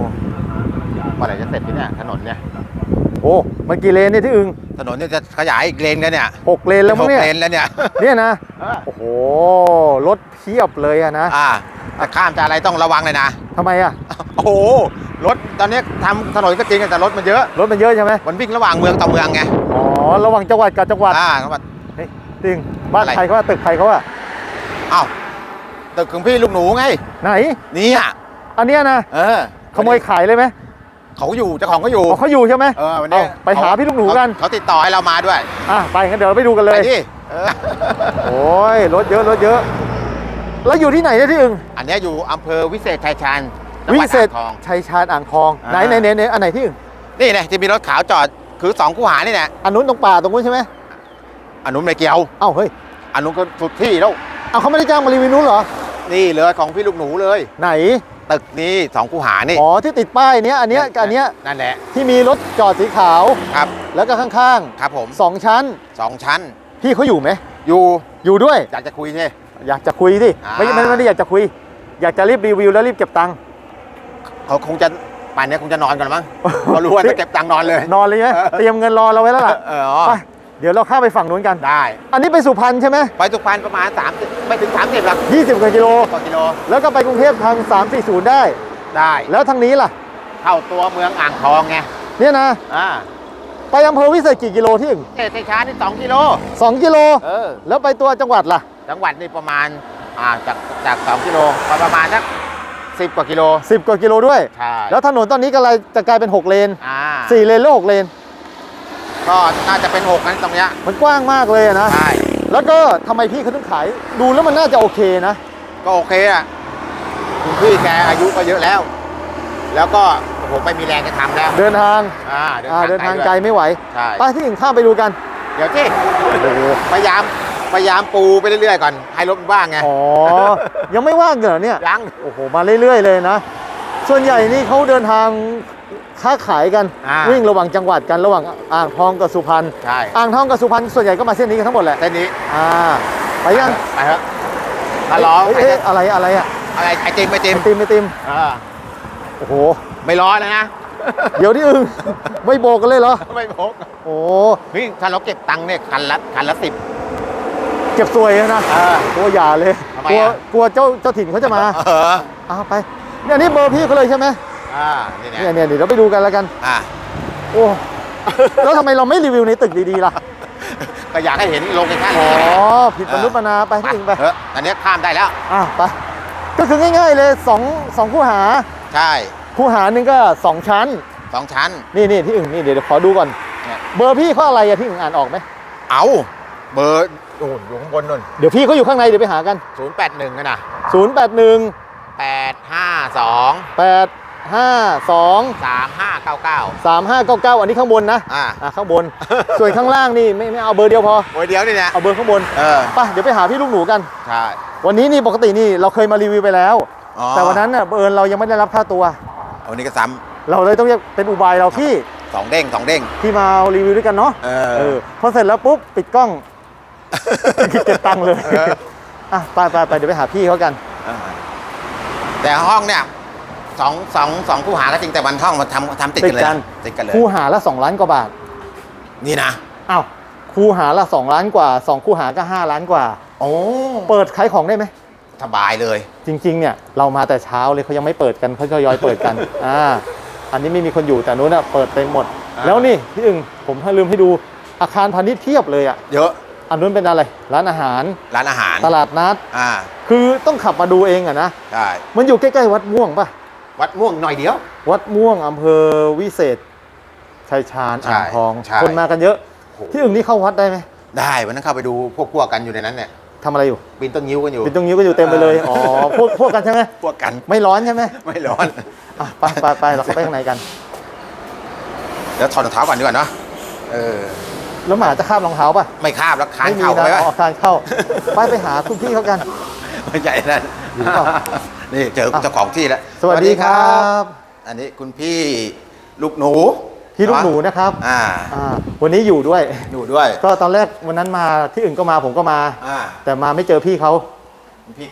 เมื่อไหร่จะเสร็จที่เนี่ยถนนเนี่ยโอ้มันกี่เลนเนี่ยที่อึงถนนเนี่ยจะขยายอีกเลนกันเนี่ย 6 เลนแล้วมั้งเนี่ย 6 เลนแล้วเนี่ยเนี่ยนะโอ้โหรถเพียบเลยอะนะแต่ข้ามจะอะไรต้องระวังเลยนะทำไมอะโอ้โหรถตอนนี้ทำถนนก็จริงแต่รถมันเยอะใช่ไหมมันวิ่งระหว่างเมืองต่อเมืองไงอ๋อระหว่างจังหวัดกับจังหวัดจังหวัดเฮ้ยจริงบ้านใครเขาว่าตึกใครเขาว่าอ้าวตึกของพี่ลูกหนูไงไหนนี่อ่ะอันเนี้ยนะขโมยขายเลยไหมเขาอยู่เจ้าของเขาอยู่เขาอยู่ใช่ไหมวันนี้ไปหาพี่ลูกหนูกันเขาติดต่อให้เรามาด้วยไปงั้นเดี๋ยวเราไปดูกันเลยโอ้ยรถเยอะแล้วอยู่ที่ไหนเนี่ยที่อึงอันนี้อยู่อำเภอวิเศษชัยชาญวิเศษชัยชาญอ่างทองไหนอันไหนที่อึงนี่ไงที่มีรถขาวจอดคือ2 คูหานี่แหละอันนู้นตรงป่าตรงนู้นใช่ไหมอันนู้นไม่เกี่ยวเฮ้ยอันนู้นก็สุดที่แล้วเขาไม่ได้จ้างมารีวิวนู้นเหรอนี่เลยของพี่ลูกหนูเลยไหนตึกนี้2 คูหานี่ที่ติดป้ายเนี้ยอันเนี้ยกับอันเนี้ยนั่นแหละที่มีรถจอดสีขาวครับแล้วก็ข้างๆครับผม 2 ชั้นพี่เขาอยู่ไหมอยู่ด้วยอยากจะคุยใช่อยากจะคุยสิไม่ได้อยากจะคุยอยากจะรีบรีวิวแล้วรีบเก็บตังค์เขาคงจะป่านนี้คงจะนอนก่อนมั้งเขารู้ว่าจะเก็บตังค์นอนเลยไหมเตรียมเงินรอเราไว้แล้วล่ะไปเดี๋ยวเราข้ามไปฝั่งนู้นกันได้อันนี้ไปสุพรรณใช่ไหมไปสุพรรณประมาณ30ไม่ถึง30หรอก 20 กว่ากิโลแล้วก็ไปกรุงเทพทาง340ได้แล้วทางนี้ล่ะเข้าตัวเมืองอ่างทองไงเนี่ยนะไปอำเภอวิเศษกี่กิโลที่ชัยชาญนี่2 กิโล 2 กิโลแล้วไปตัวจังหวัดล่ะจังหวัดนี่ประมาณจาก2 กิโลประมาณสัก10 กว่ากิโล 10 กว่ากิโลด้วยแล้วถนนตอนนี้ก็เลยจะกลายเป็น6 เลน4 เลนแล้ว6 เลนก็น่าจะเป็น6นั้นตรงเนี้ยมันกว้างมากเลยนะใช่แล้วก็ทำไมพี่เขาถึงขายดูแล้วมันน่าจะโอเคนะก็โอเคอ่ะคุณพี่แกอายุก็เยอะแล้วก็ผมไม่มีแรงจะทำแล้วเดินทางไกลไม่ไหวไปที่อื่นข้ามไปดูกันเดี๋ยวที่พยายามปูไปเรื่อยๆก่อนให้รถมันว่างไงยังไม่ว่างเหรอเนี่ยยังโอ้โหมาเรื่อยๆเลยนะส่วนใหญ่นี่เขาเดินทางค้าขายกันวิ่งระหว่างจังหวัดกันระหว่างอ่างทองกับสุพรรณอ่างทองกับสุพรรณส่วนใหญ่ก็มาเส้นนี้กันทั้งหมดแหละเส้นนี้ไปยังไปครับฮัลโหลอะไรไอติมโอ้โหไม่ร้อนนะเดี๋ยวที่อึ้งไม่โบกกันเลยเหรอไม่โบกโอ้พี่ถ้าเราเก็บตังค์เนี่ยคันละ10 เก็บสวยนะตัวอย่าเลยกลัวเจ้าถิ่นเขาจะมาไปเนี่ยนี่เบอร์พี่เขาเลยใช่ไหมเนี่ยเดี๋ยวเราไปดูกันแล้วกันโอ้แล้วทำไมเราไม่รีวิวในตึกดีๆล่ะก็อยากให้เห็นโลเคชั่นผิดมนุษย์มนาไปที่อื่นไปอันนี้ข้ามได้แล้วไปก็คือง่ายๆเลย2 คูหาใช่คูหาหนึ่งก็2 ชั้นนี่ที่อื่นนี่เดี๋ยวขอดูก่อนเบอร์พี่เขาอะไรอะที่อื่นอ่านออกไหมเบอร์อยู่ข้างบนนู่นเดี๋ยวพี่เขาอยู่ข้างในเดี๋ยวไปหากัน 081กันนะ 081 852 3599 อันนี้ข้างบนนะข้างบนส่วนข้างล่างนี่ไม่เอาเบอร์เดียวพอเบอร์เดียวนี่นะเอาเบอร์ข้างบนไปเดี๋ยวไปหาพี่ลูกหนูกันใช่วันนี้นี่ปกตินี่เราเคยมารีวิวไปแล้วแต่วันนั้นน่ะเรายังไม่ได้รับค่าตัววันนี้ก็ซ้ำเราเลยต้องเป็นอุบายเราพี่ 2 เด้งที่มารีวิวด้วยกันเนาะพอเสร็จแล้วปุ๊บปิดกล้องเก็บตังค์เลยไปเดี๋ยวไปหาพี่เขากันแต่ห้องเนี่ย2 คูหาก็จริงแต่วันห้องมันทำติดกันเลยคูหาละ2 ล้านกว่าบาทนี่นะคูหาละ2 ล้านกว่า2 คูหาก็5 ล้านกว่าเปิดขายของได้ไหมสบายเลยจริงๆเนี่ยเรามาแต่เช้าเลยเขายังไม่เปิดกันเขาทยอยเปิดกันอันนี้ไม่มีคนอยู่แต่นู้นเปิดเต็มหมดแล้วนี่พี่อึ่งผมลืมให้ดูอาคารพาณิชย์เทียบเลยเยอะอันนู้นเป็นอะไรร้านอาหารตลาดนัดคือต้องขับมาดูเองนะใช่มันอยู่ใกล้ๆวัดม่วงป่ะวัดม่วงหน่อยเดียววัดม่วงอำเภอวิเศษชัยชาญอ่างทองคนมากันเยอะที่อึ่งนี่เข้าวัดได้ไหมได้วันนั้นเข้าไปดูพวกกันอยู่ในนั้นเนี่ยทำอะไรอยู่ปีนต้นงิ้วกันอยู่เต็มไปเลยพวกกันใช่ไหมพวกกันไม่ร้อนใช่ไหมไม่ร้อนไปเราเข้าไปข้างในกันเดี๋ยวถอดรองเท้าก่อนดีกว่าเนาะแล้วหมาจะคาบรองเท้าป่ะไม่คาบแล้วคานเข้าไปคานเข้าไปหาคุณพี่เขากันไม่ใหญ่นั่นนี่เจอเจ้าของที่แล้วสวัสดีครับอันนี้คุณพี่ลูกหนูพี่ลูกหนูนะครับวันนี้อยู่ด้วยก็ตอนแรกวันนั้นมาที่อื่นก็มาผมก็มาแต่มาไม่เจอพี่เขาพี่แกแอบ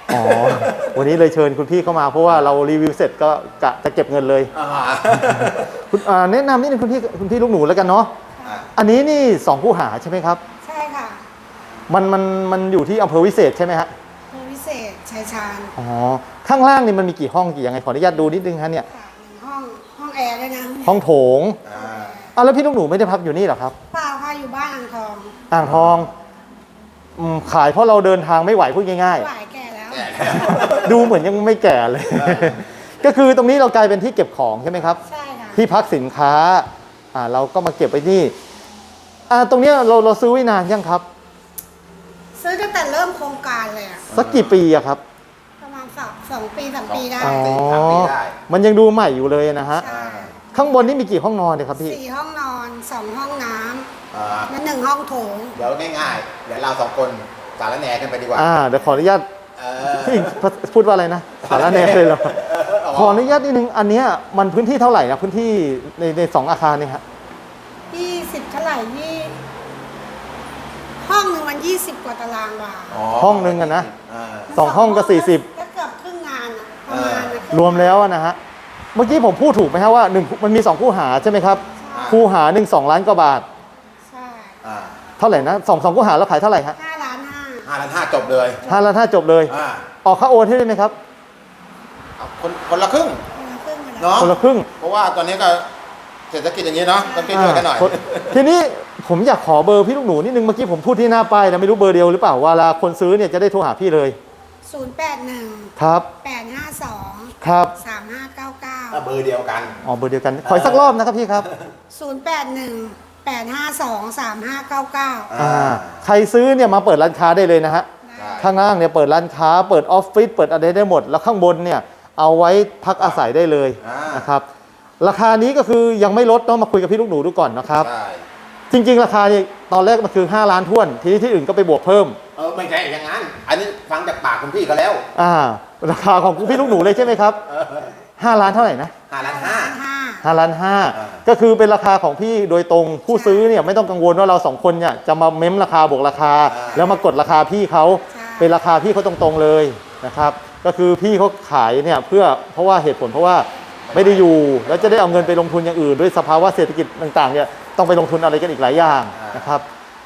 อ๋อ วันนี้เลยเชิญคุณพี่เข้ามาเพราะว่าเรารีวิวเสร็จก็กะจะเก็บเงินเลยคุณแนะนำนิดนึงคุณพี่ลูกหนูแล้วกันเนาะอันนี้นี่2คู่หาใช่ไหมครับใช่ค่ะมันอยู่ที่อำเภอวิเศษใช่ไหมฮะเพื่อพิเศษชายชาญอ๋อข้างล่างนี่มันมีกี่ห้องกี่ยังไงขออนุญาตดูนิดนึงฮะเนี่ยค่ะหนึ่งห้องแอร์ด้วยนะห้องโถงแล้วพี่ลูกหนูไม่ได้พักอยู่นี่เหรอครับเปล่าค่ะอยู่บ้านอ่างทองอ่างทองขายเพราะเราเดินทางไม่ไหวพูดง่ายหลายแก่แล้วๆ ดูเหมือนยังไม่แก่เลย ก็คือตรงนี้เรากลายเป็นที่เก็บของใช่ไหมครับใช่ค่ะที่พักสินค้าเราก็มาเก็บไว้นี่ตรงเนี้ยเราซื้อไว้นานยังครับซื้อตั้งแต่เริ่มโครงการเลยอะสักกี่ปีอะครับประมาณ2 ปี3 ปีได้อ๋อมันยังดูใหม่อยู่เลยนะฮะใช่ข้างบนนี่มีกี่ห้องนอนเนี่ยครับพี่ 4 ห้องนอน 2 ห้องน้ำและ1 ห้องโถงเดี๋ยวง่ายๆเดี๋ยวเรา2 คนสารแหน่กันไปดีกว่าเดี๋ยวขออนุญาตพี่พูดว่าอะไรนะสารแหน่เลยเหรอขออนุญาตนิดนึงอันเนี้ยมันพื้นที่เท่าไหร่นะพื้นที่ใน2 อาคารเนี่ยฮะ 20 เท่าไหร่นี่ห้องหนึ่งมัน20 กว่าตารางวาห้องนึงอะนะ 2 ห้องก็ก็เกือบครึ่งงานอะประมาณนะ 40รวมแล้วนะฮะเมื่อกี้ผมพูดถูกไหมฮะว่ามันมี2 คู่หาใช่ไหมครับคู่หา1 2 ล้านกว่าบาทใช่เท่าไหร่นะ2 คู่หาแล้วขายเท่าไหร่ฮะ 5 ล้าน 5 ล้าน 5จบเลย 5 ล้าน 5จบเลยออกค่าโอนให้ได้ไหมครับคนละครึ่ง 5ครึ่งเลยเนาะคนละครึ่งเพราะว่าตอนนี้ก็เศรษฐกิจอย่างนี้เนาะต้องช่วยๆกันหน่อยทีนี้ผมอยากขอเบอร์พี่ลูกหนูนิดนึงเมื่อกี้ผมพูดที่หน้าป้ายนะไม่รู้เบอร์เดียวหรือเปล่าเวลาคนซื้อเนี่ยจะได้โทรหาพี่เลย 081 ครับ 852 ครับ 3599 เบอร์เดียวกันอ๋อเบอร์เดียวกันขออีกสักรอบนะครับพี่ครับ 081 852 3599 ใครซื้อเนี่ยมาเปิดร้านค้าได้เลยนะฮะข้างล่างเนี่ยเปิดร้านค้าเปิดออฟฟิศเปิดอะไรได้หมด แล้วข้างบนเนี่ยเอาไว้พักอาศัยได้เลยนะครับราคานี้ก็คือยังไม่ลดเนาะมาคุยกับพี่ลูกหนูดูก่อนนะครับใช่จริงๆราคาเนี่ยตอนแรกมันคือ5 ล้านท้วนทีนี้ที่อื่นก็ไปบวกเพิ่มไม่ใช่อย่างนั้น อันนี้ฟังจากปากคุณพี่เขาแล้วราคาของพี่ลูกหนูเลยใช่ไหมครับ5 ล้านเท่าไหร่นะ 5 ล้าน 5 ล้าน 5ก็คือเป็นราคาของพี่โดยตรงผู้ซื้อเนี่ยไม่ต้องกังวลว่าเรา2 คนเนี่ยจะมาเม้มราคาบวกราคา แล้วมากดราคาพี่เขาเป็นราคาพี่เขาตรงๆเลยนะครับก็คือพี่เขาขายเนี่ยเพราะว่าเหตุผลเพราะว่าไม่ได้อยู่แล้วจะได้เอาเงินไปลงทุนอย่างอื่นด้วยสภาวะเศรษฐกิจต่างๆเนี่ยต้องไปลงทุนอะไรกันอีกหลายอย่างนะครับ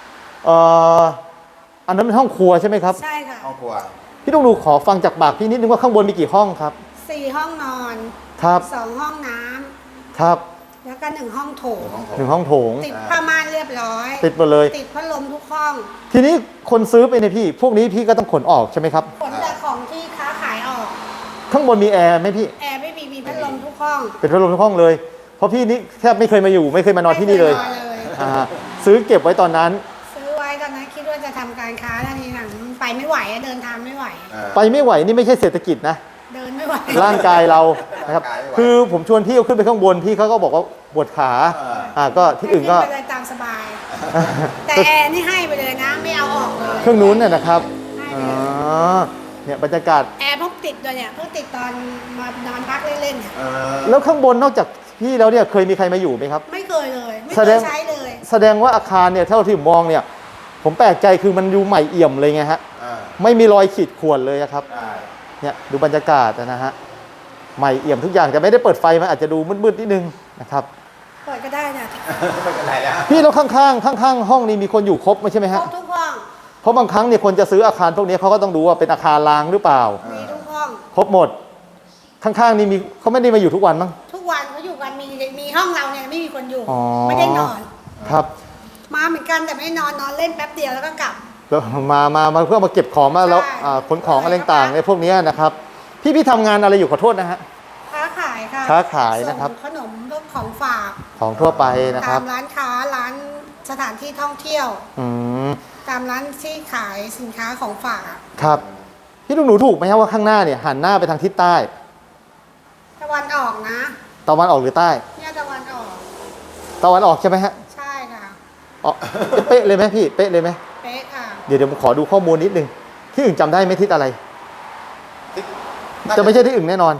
อันนั้นเป็นห้องครัวใช่ไหมครับใช่ค่ะ 5ห้องครัวพี่ต้องดูขอฟังจากปากพี่นิดนึงว่าข้างบนมีกี่ห้องครับ 4 ห้องนอนครับ 2 ห้องน้ครับำแล้วก็1 ห้องโถง 1 ห้องโถงติดผ้าม่านเรียบร้อยติดหมดเลยติดพัดลมทุกห้องทีนี้คนซื้อไปเนี่ยพี่พวกนี้พี่ก็ต้องขนออกใช่ไหมครับขนแต่ของที่ค้าขายออกข้างบนมีแอร์ไหมพี่แอร์ไม่มีพัดลมทุกห้องเป็นพัดลมทุกห้องเลย เพราะพี่นี่แทบไม่เคยมาอยู่ไม่เคยมานอนที่นี่เลยไม่คนอนเลยซื้อเก็บไว้ตอนนั้นซื้อไว้ตอนนั้นคิดว่าจะทำการค้าแล้วทีหลังไปไม่ไหวอะเดินทางไม่ไหวไปไม่ไหวนี่ไม่ใช่เศรษฐกิจนะเดินไม่ไหวร่างกายเรานะครับร่างกายไม่ไหวคือผมชวนพี่เอาขึ้นไปข้างบนพี่เขาก็บอกว่าปวดขาก็ที่อื่นก็ให้ไปเลยตามสบาย แต่แอร์นี่ให้ไปเลยนะ ไม่เอาออกเลยเครื่องนู้นเนี่ยนะครับให้อ๋ไปอเลยเนี่ยบรรยากาศแอร์เพิ่งติดด้วยเนี่ยเพิ่งติดตอนมานอนพักเล่นๆเนี่ยแล้วข้างบนนอกจากพี่แล้วเนี่ยเคยมีใครมาอยู่ไหมครับไม่เคยเลย ไม่แสเคดยงใช้เลยแสดงว่าอาคารเนี่ยเท่าที่ผมมองเนี่ย ผมแปลกใจคือมันดูใหม่เอี่ยมเลยไงฮะไม่มีรอยขีดข่วนเลยนะครับเนี่ยดูบรรยากาศนะฮะใหม่เอี่ยมทุกอย่างแต่ไม่ได้เปิดไฟมันอาจจะดูมืดๆนิดนึงนะครับเปิดก็ได้เนี่ยไม่เป็นไรแล้วพี่แล้วข้างๆห้องนี้มีคนอยู่ครบไหมใช่ไหมครฮะบทุกห้องเพราะบางครั้งเนี่ยคนจะซื้ออาคารพวกนี้เขาก็ต้องดูว่าเป็นอาคารร้างหรือเปล่ามีทุกห้องครบหมด ข้างๆนี่มีเขาไม่ได้มาอยู่ทุกวันมั้งทุกวันเขาอยู่กันมีห้องเราเนี่ยไม่มีคนอยู่อ๋อไม่ได้นอนครับมาเหมือนกันแต่ไม่นอนเล่นแป๊บเดียวแล้วก็กลับแล้วมาเพื่อมาเก็บของมาแล้วใช่ขนของอะไรต่างๆในพวกนี้นะครับ พี่ทำงานอะไรอยู่ขอโทษนะฮะค้าขายค่ะค้าขายนะครับส่งขนมพวกของฝากของทั่วไปนะคตารับมร้านค้าร้านสถานที่ท่องเที่ยวอืมตามร้านที่ขายสินค้าของฝากอะครับพี่ลูกหนูถูกไหมครับว่าข้างหน้าเนี่ยหันหน้าไปทางทิศใต้ตะวันออกนะตะวันออกหรือใต้เนี่ยตะวันออกตะวันออกใช่ไหมฮะใช่ค่ะอ๋อเป๊ะเลยไหมพี่เป๊ะเลยไหมเป๊ะค่ะเดี๋ยวผมขอดูข้อมูลนิดนึงที่อื่นจำได้ไหมทิศอะไร จะไม่ใช่ที่อื่นแน่นอน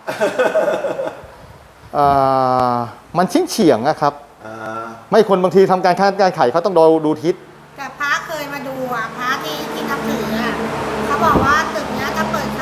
มันเฉียงนะครับ ไม่คนบางทีทำการค้าการขายเขาต้องดูทิศแต่พระเคยมาดูอ่ะพระที่นับถืออ่ะเขาบอกว่าตึกเนี้ยถ้าเปิด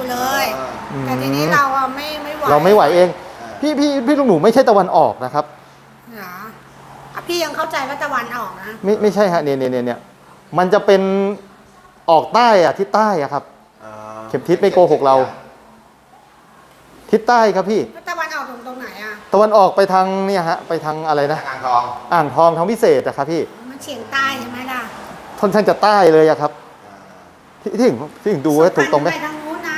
เลย แต่ทีนี้เราอะไม่ไหวเราไม่ไหวเอง พี่ลุงหนูไม่ใช่ตะวันออกนะครับเหรออ่ะพี่ยังเข้าใจว่าตะวันออกนะไม่ใช่ฮะเนี่ยมันจะเป็นออกใต้อะทิศใต้อะครับ เข็มทิศไม่โกหกเรา ทิศใต้ครับพี่แล้วตะวันออกตรงไหนอะตะวันออกไปทางเนี่ยฮะไปทางอะไรนะอ่างทองอ่างทองทางพิเศษนะครับพี่มันเฉียงใต้ใช่ไหมล่ะค่อนข้างจะใต้เลยอะครับที่ถึงดูว่าถูกตรงไหมไปทางนู้นนะ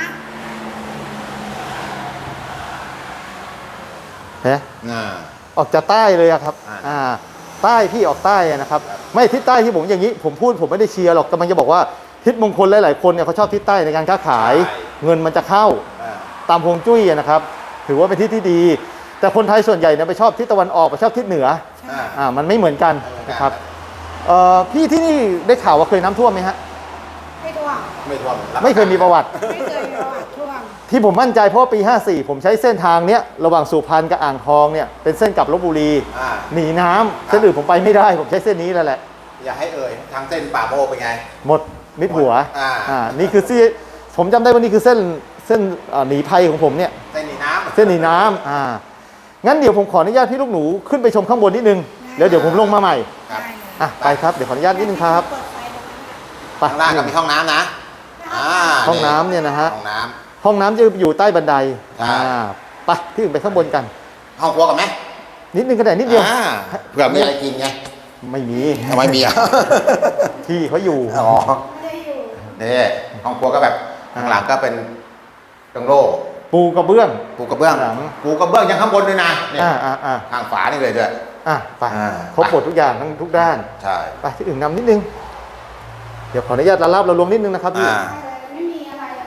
เห็นไหมออกจากใต้เลยอะครับใต้พี่ออกใต้อะนะครับ ไม่ทิศใต้ที่ผมอย่างนี้ผมพูดผมไม่ได้เชียร์หรอกกำลังจะบอกว่าทิศมงคลหลายๆคนเนี่ยเขาชอบทิศใต้ในการค้าขาย เงินมันจะเข้าตามฮวงจุ้ยอะนะครับ ถือว่าเป็นทิศที่ดี แต่คนไทยส่วนใหญ่เนี่ยไปชอบทิศตะวันออกไปชอบทิศเหนือมันไม่เหมือนกันนะครับพี่ที่นี่ได้ข่าวว่าเคยน้ำท่วมไหมฮะไม่ท่วมไม่เคยมีประวัติไม่เคยมีประวัติท่วมที่ผมมั่นใจเพราะว่าปี 54 ผมใช้เส้นทางเนี้ยระหว่างสุพรรณกับอ่างทองเนี่ยเป็นเส้นกลับลบบุรีหนีน้ำเส้นอื่นผมไปไม่ได้ผมใช้เส้นนี้แล้วแหละอย่าให้เอ่ยทางเส้นป่าโมกเป็นไงหมดมิดหัว นี่คือที่ผมจำได้ว่านี่คือเส้นหนีภัยของผมเนี่ยเส้นหนีน้ำเส้นหนีน้ำงั้นเดี๋ยวผมขออนุญาตพี่ลูกหนูขึ้นไปชมข้างบนนิดนึงแล้วเดี๋ยวผมลงมาใหม่ครับไปครับเดี๋ยวขออนุญาตนิดนึงครับเปิดไฟตรงนั้นน่ะไปข้างล่างก็มีห้องน้ำนะห้องน้ำเนี่ยนะฮะห้องน้ห้องน้ำจะอยู่ใต้บันไดใช่ไปที่อื่นไปข้างบนกันำห้องครัวกันไหมนิดนึงก็ได้นิดเดียวเผื่อมีอะไรกินไงไม่มีทำไมมีอ่ะที่เขาอยู่อ๋อไม่ได้อยู่นี่ห้องครัวก็แบบข้างหลังก็เป็นโล่งปูกระเบื้องๆปูกระเบื้องหลังปูกระเบื้องยังข้างบนด้วยนะเนี่ยอ่าทางฝานี่เลยด้วยไปอ่าครบหมดทุกอย่างทั้งทุกด้านใช่ไปที่อื่นนำนิดนึง เดี๋ยวขออนุญาตละลาบละลวงนิดนึงนะครับพี่ไม่มีอะไรอะ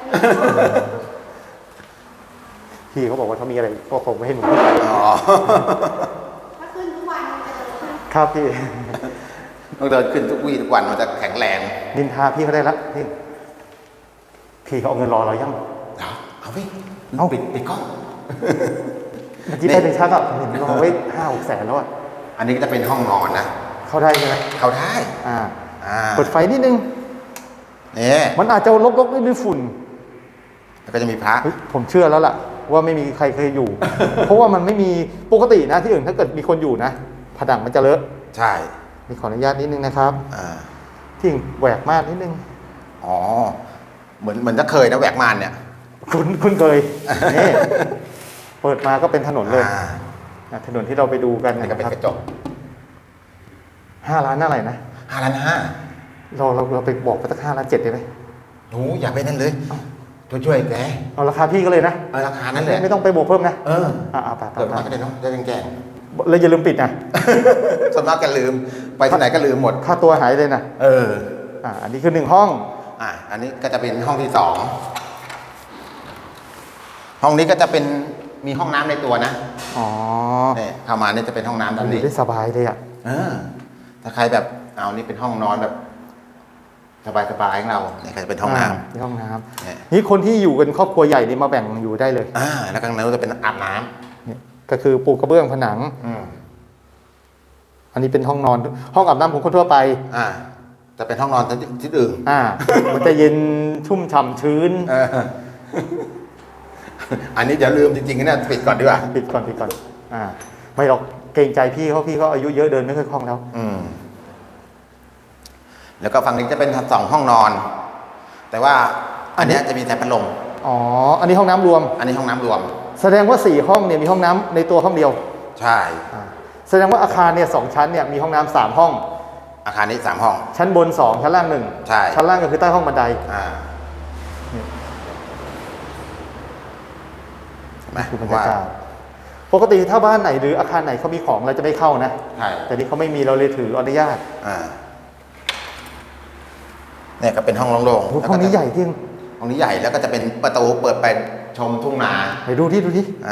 พี่เขาบอกว่าเขามีอะไรก็คงไม่ให้หนูขึ้นไปอ๋อถ้าขึ้นทุกวันมันจะเดินครับพี่ต้องเดินขึ้นทุกวี่ทุกวันมันจะแข็งแรงนินทาพี่เขาได้ละพี่เขาเอาเงินรอเรายังเอาพี่เอาปิดกล้องเมื่อกี้ไปถึงชักอ่ะเห็นรอไว้5-6 แสนแล้วอ่ะอันนี้ก็จะเป็นห้องนอนนะเข้าได้ใช่ไหมเขาได้เปิดไฟนิดนึงนี่มันอาจจะรกๆด้วยฝุ่นแล้วก็จะมีพระเฮ้ยผมเชื่อแล้วล่ะ ว่าไม่มีใครเคยอยู่ เพราะว่ามันไม่มีปกตินะที่อื่นถ้าเกิดมีคนอยู่นะผนังมันจะเลอะใช่มีขออนุญาตนิดนึงนะครับที่แหวกมากนิดนึงอ๋อเหมือนจะเคยนะแหวกม่านเนี่ยคุณเคยนี่เปิดมาก็เป็นถนนเลย ถนนที่เราไปดูกันนี่นะก็เป็นครับกระจก 5 ล้านอะไรนะ 5,500,000 เราไปบอกไปสัก5.7 ล้านได้ไหมหนูอย่าไปนั่นเลยช่วยแกเอาราคาพี่ก็เลยนะราคานั้นเลยไม่ต้องไปบวกเพิ่มนะ ไปเปิดมาก็ได้เนาะได้แกงแล้วอย่าลืมปิดนะส่วนมากแกลืมไปที่ไหนก็ลืมหมดค่าตัวหายเลยนะอันนี้คือ1 ห้องอันนี้ก็จะเป็นห้องที่ 2 ห้องนี้ก็จะเป็นมีห้องน้ำในตัวนะ เนี่ยเข้ามาเนี่ยจะเป็นห้องน้ำด้านอยู่นี้ได้สบายเลยอ่ะถ้าใครแบบเอานี่เป็นห้องนอนแบบสบายๆของเราเนี่ยก็จะเป็นห้องน้ำนี่ห้องน้ำนี่คนที่อยู่กันครอบครัวใหญ่นี่มาแบ่งอยู่ได้เลยแล้วข้างในก็จะเป็นอาบน้ำนี่ก็คือปูกระเบื้องผนัง อันนี้เป็นห้องนอนห้องอาบน้ำของคนทั่วไปจะเป็นห้องนอนที่อื่นมันจะเย็นชุ่มฉ่ำชื้นอันนี้อย่าลืมจริงๆนะปิดก่อนดีกว่าปิดก่อนไม่หรอกเกรงใจพี่เขาอายุเยอะเดินไม่ค่อยคล่องแล้วแล้วก็ฝั่งนี้จะเป็น2 ห้องนอน แต่ว่าอันเนี้ยจะมีแต่พัดลมอันนี้ห้องน้ำรวมอันนี้ห้องน้ำรวมแสดงว่า4 ห้องเนี่ยมีห้องน้ำในตัวห้องเดียวใช่แสดงว่าอาคารเนี่ย2 ชั้นเนี่ยมีห้องน้ำ3 ห้องอาคารนี้3 ห้องชั้นบน2ชั้นล่าง1 ใช่ชั้นล่างก็คือใต้ห้องบันได คือบรรยากาศปกติถ้าบ้านไหนหรืออาคารไหนเขามีของเราจะไม่เข้านะใช่แต่นี่เขาไม่มีเราเลยถืออนุญาตเนี่ยก็เป็นห้องโล่งๆห้องนี้ใหญ่จริงห้องนี้ใหญ่แล้วก็จะเป็นประตูเปิดไปชมทุ่งนาไหนดูที่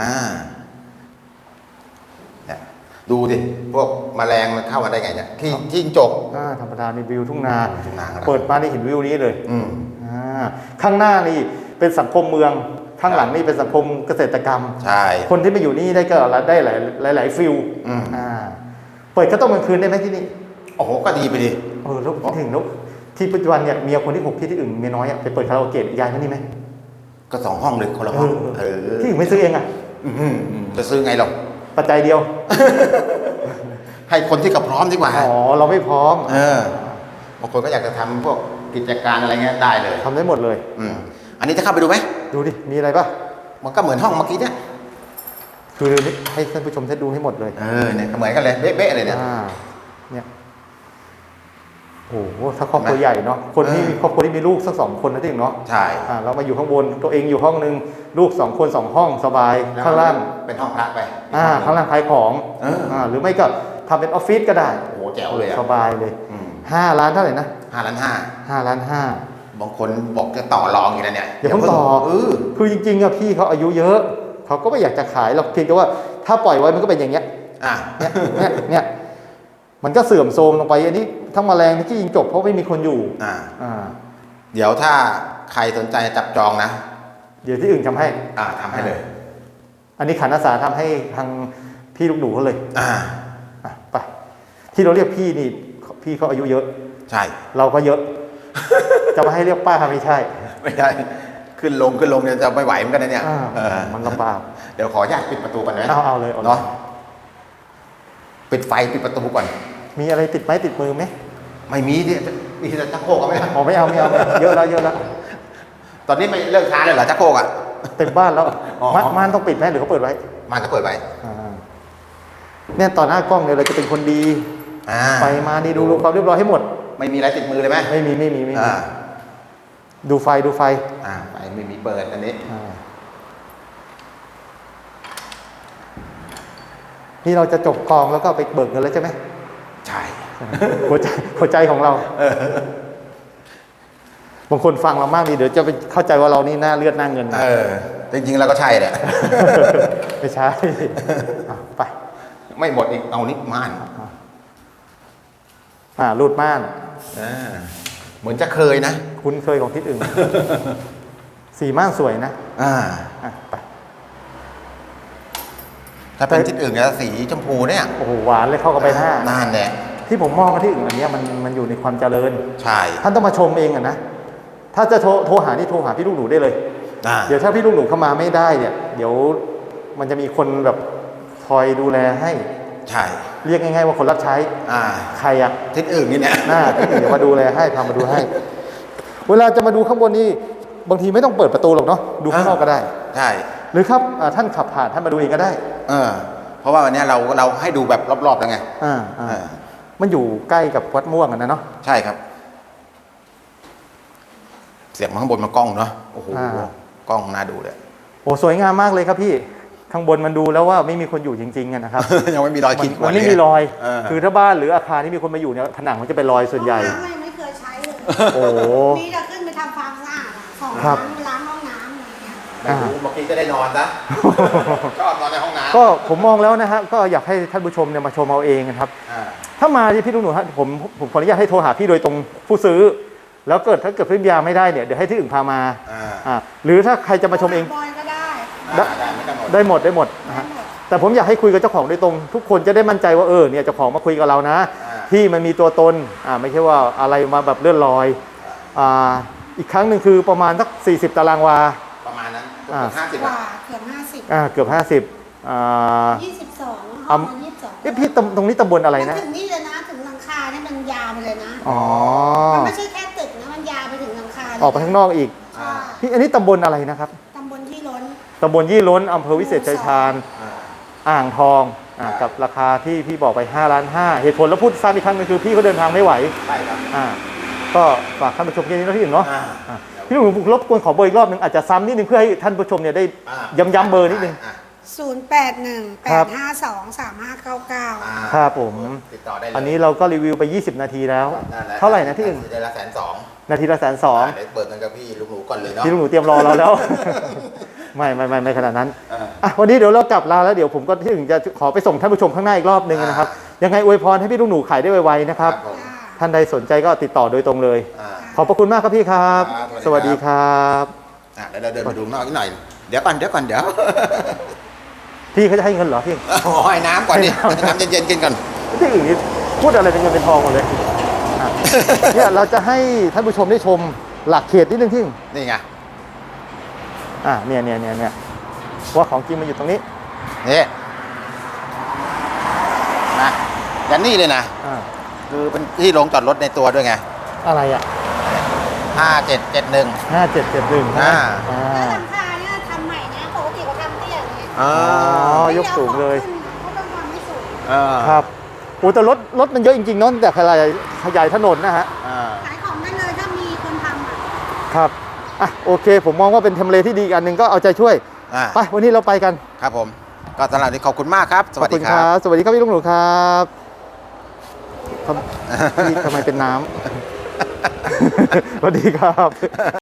เนี่ยดูดิพวกแมลงมันเข้ามาได้ไงเนี่ยที่จิ้งจกธรรมดานี่วิวทุ่งนาทุ่งนาครับเปิดมานี่เห็นวิวนี้เลยข้างหน้านี่เป็นสังคมเมืองข้างหลังนี่เป็นสังคมเกษตรกรรมใช่คนที่มาอยู่นี่ได้ก็ได้หลายฟิลเปิดก็ต้องกลางคืนได้ไหมที่นี่โอ้โหก็ดีไปดิแล้วถึงแล้วที่ปัจจุบันเนี่ยเมียคนที่6ที่อื่นเมียน้อยไปเปิดคาราโอเกะยายที่นี่ไหมก็2 ห้องเลยคนละห้องพี่ถึงไม่ซื้อเองอ่ะจะซื้อไงหรอกปัจจัยเดียวให้คนที่กับพร้อมดีกว่าอ๋อเราไม่พร้อมบางคนก็อยากจะทำพวกกิจการอะไรเงี้ยได้เลยทำได้หมดเลยอันนี้จะเข้าไปดูไหมดูดิมีอะไรป่ะมันก็เหมือนห้องเมื่อกี้เนี่ยคือให้ท่านผู้ชมได้ดูให้หมดเลยเนี่ยเหมือนกันเลยเบ๊ะๆเลยเนี่ยเนี่ยโอ้โหถ้าครอบครัวใหญ่เนาะคนที่มีครอบครัวที่มีลูกสัก2 คนนะที่เนาะใช่เรามาอยู่ข้างบนตัวเองอยู่ห้องนึงลูก2 คน 2 ห้องสบายข้างล่างเป็นห้องพระไปข้างล่างขายของหรือไม่ก็ทำเป็นออฟฟิศก็ได้โอ้โหแจ๋วเลยอะสบายเลย5 ล้านเท่าไหร่นะ 5 ล้าน 5 ล้านบางคนบอกจะต่อรองอยู่นะเนี่ยอย่าเพิ่งต่อคือจริงๆอะพี่เขาอายุเยอะเขาก็ไม่อยากจะขายหรอกเพียงแต่ว่าถ้าปล่อยไว้มันก็เป็นอย่างเงี้ยเนี่ยมันก็เสื่อมโทรมลงไปอันนี้ทั้งแมลงที่ยิงจบเพราะไม่มีคนอยู่เดี๋ยวถ้าใครสนใจจับจองนะเดี๋ยวที่อื่นทำให้ทำให้เลยอันนี้ขันอาสาทำให้ทางพี่ลูกหนูเขาเลยไปที่เราเรียกพี่นี่พี่เขาอายุเยอะใช่เราก็เยอะ จะมาให้เรียกป้าไม่ใช่ขึ้นลงเนี่ยจะไม่ไหวเหมือนกันนะเนี่ยมันลำบากเดี๋ยวขออนุญาตปิดประตูก่อนนะเอาเลยเนาะปิดไฟปิดประตูก่อนมีอะไรติดไม้ติดมือไหมไม่มีดิมีแต่ชักโครกก็ไม่เอาไม่เอาเยอะแล้วตอนนี้ไม่เลิกช้าเลยเหรอชักโครกเต็มบ้านแล้วม่านต้องปิดไหมหรือเขาเปิดไว้ม่านก็เปิดไว้เนี่ยต่อหน้ากล้องเนี่ยเราจะเป็นคนดีไปมานี่ดูความเรียบร้อยให้หมดไม่มีอะไรติดมือเลยไหมไม่มีดูไฟไฟไม่มีเปิดอันนี้นี่เราจะจบกองแล้วก็ไปเบิกเงินแล้วใช่ไหมใช่หัวใจของเราบางคนฟังเรามากดีเดี๋ยวจะไปเข้าใจว่าเรานี่หน้าเลือดหน้าเงินจริงๆแล้วก็ใช่แหละไม่ใช่ไปไม่หมดอีกเอานี่ม่านรูดม่านเหมือนจะเคยนะคุ้นเคยของที่อื่นสีม่านสวยนะไปถ้าเป็นที่อื่นจะสีชมพูเนี่ยโอ้โหหวานเลยเข้ากับใบหน้านั่นแหละที่ผมมองมาที่อื่นอันนี้มันอยู่ในความเจริญใช่ท่านต้องมาชมเองนะถ้าจะโทรหานี่โทรหาพี่ลูกหนูได้เลยเดี๋ยวถ้าพี่ลูกหนูเข้ามาไม่ได้เนี่ยเดี๋ยวมันจะมีคนแบบคอยดูแลให้ใช่เรียกง่ายๆว่าคนรับใช้ใครที่อื่นนี่เนี่ยที่อื่นเดี๋ยวมาดูแลให้พามาดูให้เวลาจะมาดูข้างบนนี่บางทีไม่ต้องเปิดประตูหรอกเนาะดูข้างนอกก็ได้ใช่หรือครับท่านขับผ่านท่านมาดูเองก็ได้เพราะว่าวันนี้เราให้ดูแบบรอบๆแล้วไงมันอยู่ใกล้กับวัดม่วงกันนะเนาะใช่ครับเสียบมาข้างบนมากล้องเนาะโอ้โหกล้องน่าดูเลยโอ้สวยงามมากเลยครับพี่ข้างบนมันดูแล้วว่าไม่มีคนอยู่จริงๆนะครับยังไม่มีรอยขีดข่วนมันไม่มีรอยคือถ้าบ้านหรืออาคารที่มีคนมาอยู่เนี่ยผนังมันจะเป็นรอยส่วนใหญ่ไม่เคยใช้เลยโอ้มีแต่ขึ้นไปทำความสะอาดของล้างห้องน้ำอะไรเงี้ยเมื่อกี้จะได้นอนนะชอบนอนในห้องน้ำก็ผมมองแล้วนะฮะก็อยากให้ท่านผู้ชมเนี่ยมาชมเอาเองนะครับถ้ามาที่พี่ลุงหนูฮะผมขออนุญาตให้โทรหาพี่โดยตรงผู้ซื้อแล้วถ้าเกิดพี่ยาไม่ได้เนี่ยเดี๋ยวให้ที่อื่นพามาหรือถ้าใครจะมาชมเองได้หมดนะฮะแต่ผมอยากให้คุยกับเจ้าของโดยตรงทุกคนจะได้มั่นใจว่าเนี่ยเจ้าของมาคุยกับเรานะที่มันมีตัวตนไม่ใช่ว่าอะไรมาแบบเลื่อนลอยอีกครั้งหนึ่งคือประมาณสัก40 ตารางวาประมาณนั้นเกือบ50 22 พี่ตรงนี้ตำบลอะไรนะถึงนี่เลยนะถึงหลังคาเนี่ยมันยาวไปเลยนะมันไม่ใช่แค่ตึกนะมันยาวไปถึงหลังคาออกไปข้างนอกอีกพี่อันนี้ตำบลอะไรนะครับตำบลยี่ล้นอำเภอวิเศษชัยชาญอ่างทองกับราคาที่พี่บอกไป5.5 ล้านเหตุผลแล้วพูดซ้ำอีกครั้งนึงคือพี่เขาเดินทางไม่ไหวใช่ครับก็ฝากท่านผู้ชมแค่นี้นะพี่หนึ่งเนาะพี่หนึ่งรบกวนขอเบอร์อีกรอบนึงอาจจะซ้ำนิดนึงเพื่อให้ท่านผู้ชมเนี่ยได้ย้ำเบอร์นิดนึง 0818523599 ครับผมติดต่อได้เลยอันนี้เราก็รีวิวไป20 นาทีแล้วเท่าไหร่นะที่อื่นนาทีละ120,000 นาทีละ120,000 เดี๋ยวเปิดกันกับพี่ลุงหนูก่อนเลยเนาะพี่ลุงหนูเตรียมรอเราแล้วไม่ขนาดนั้นวันนี้เดี๋ยวเรากลับลาแล้วเดี๋ยวผมก็ที่อื่นจะขอไปส่งท่านผู้ชมข้างหน้าอีกรอบนึงนะครับยังไงอวยพรให้พี่ลุงหนูขายได้ไวๆนะครับท่านใดสนใจก็ติดต่อโดยตรงเลยขอบพระคุณมากครับพี่ครับสวัสดีครับเดี๋ยวเราเดินมาดูนอกนิดหน่อยเดี๋ยวก่อนพี่เขาจะให้เงินเหรอพี่ให้น้ำก่อนดิน้ำเย็นๆกินก่อนที่อื่นนี่พูดอะไรเป็นเงินเป็นทองหมดเลยเนี่ยเราจะให้ท่านผู้ชมได้ชมหลักเขตนิดนึงที่นี่ไงเนี่ยว่าของจริงมันอยู่ตรงนี้นี่นะยันนี่เลยนะ คือเป็นที่ลงจอดรถในตัวด้วยไงอะไรอ่ะ 5771 5771 อ่าแล้วหลังคาเนี่ยทำใหม่นะปกติเขาทำเตี้ยอย่างเงี้ยอ๋อยกสูงเลยเขาต้องทำให้สูงครับโอ้แต่รถมันเยอะจริงๆเนาะแต่ขยายถนนนะฮะขายของได้เลยถ้ามีคนทำอ่ะครับอ่ะโอเค ผมมองว่าเป็นทำเลที่ดีอีกอันหนึ่งก็เอาใจช่วยไปวันนี้เราไปกันครับผม ก็สำหรับวันนี้ขอบคุณมากครับ สวัสดีขอณครับสวัสดีครับพี่ลุงหนูครับพี่ทำไมเป็นน้ำ สวัสดีครับ